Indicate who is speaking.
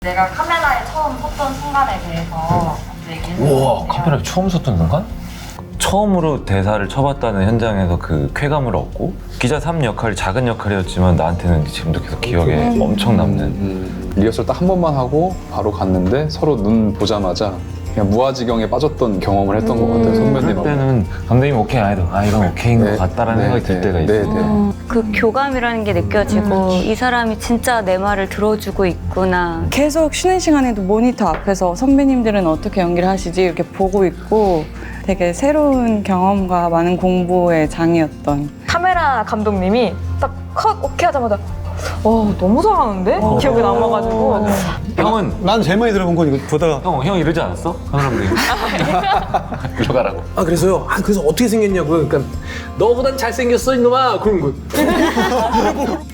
Speaker 1: 내가 카메라에 처음 섰던 순간에 대해서 얘기해.
Speaker 2: 우와, 카메라에 처음 섰던 순간? 처음으로 대사를 쳐봤다는 현장에서 그 쾌감을 얻고 기자 3 역할이 작은 역할이었지만 나한테는 지금도 계속 기억에 엄청 남는
Speaker 3: 리허설 딱 한 번만 하고 바로 갔는데 서로 눈 보자마자 그냥 무아지경에 빠졌던 경험을 했던 것 같아요. 선배님하고.
Speaker 2: 그때는 감독님 오케이 안 해도 아 이건 오케이인 것 같다라는 생각이 들 때가 있어요.
Speaker 4: 그 교감이라는 게 느껴지고 이 사람이 진짜 내 말을 들어주고 있구나.
Speaker 5: 계속 쉬는 시간에도 모니터 앞에서 선배님들은 어떻게 연기를 하시지 이렇게 보고 있고 되게 새로운 경험과 많은 공부의 장이었던.
Speaker 6: 카메라 감독님이 딱 컷 오케이 하자마자 너무 잘하는데? 기억에 남아가지고
Speaker 2: 형은
Speaker 7: 난 제일 많이 들어본 건 이거 보다가
Speaker 2: 형 이러지 않았어? 카메라 감독님 일로 가라고.
Speaker 8: 아 그래서요? 그래서 어떻게 생겼냐고요? 그러니까 너보단 잘생겼어 이놈아 그런 거.